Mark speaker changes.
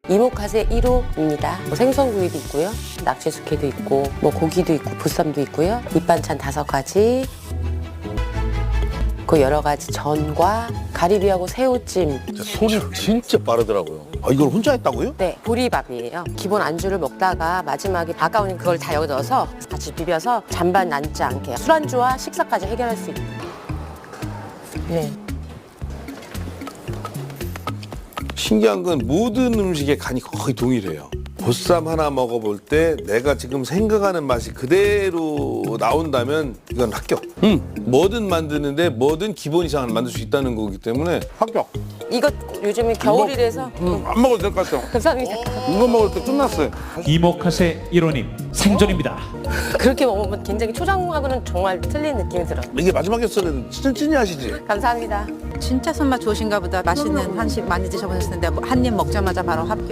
Speaker 1: 이모카세 1호입니다. 생선구이도 있고요. 낙지숙회도 있고 고기도 있고 보쌈도 있고요. 밑반찬 5가지. 그 여러 가지 전과 가리비하고 새우찜.
Speaker 2: 손이 진짜 빠르더라고요.
Speaker 3: 아, 이걸 혼자 했다고요?
Speaker 1: 네, 보리밥이에요. 기본 안주를 먹다가 마지막에 아까운 그걸 다 여기 넣어서 같이 비벼서 잔반 남지 않게 술안주와 식사까지 해결할 수 있는. 네.
Speaker 3: 신기한 건 모든 음식의 간이 거의 동일해요. 보쌈 하나 먹어볼 때 내가 지금 생각하는 맛이 그대로 나온다면 이건 합격. 뭐든 만드는데 뭐든 기본 이상은 만들 수 있다는 거기 때문에 합격.
Speaker 1: 이거 요즘에 겨울이라서
Speaker 3: 안 먹어도 될 것 같아요.
Speaker 1: 감사합니다.
Speaker 3: 이거 먹을 때 끝났어요.
Speaker 4: 이모카세 1호님 생존입니다.
Speaker 1: 그렇게 먹으면 굉장히 초장하고는 정말 틀린 느낌이 들어요.
Speaker 3: 이게 마지막이었어요. 찐찐이 하시지?
Speaker 1: 감사합니다.
Speaker 5: 진짜 손맛 좋으신가 보다. 맛있는 한식 많이 드셔보셨는데 한 입 먹자마자 바로 합격.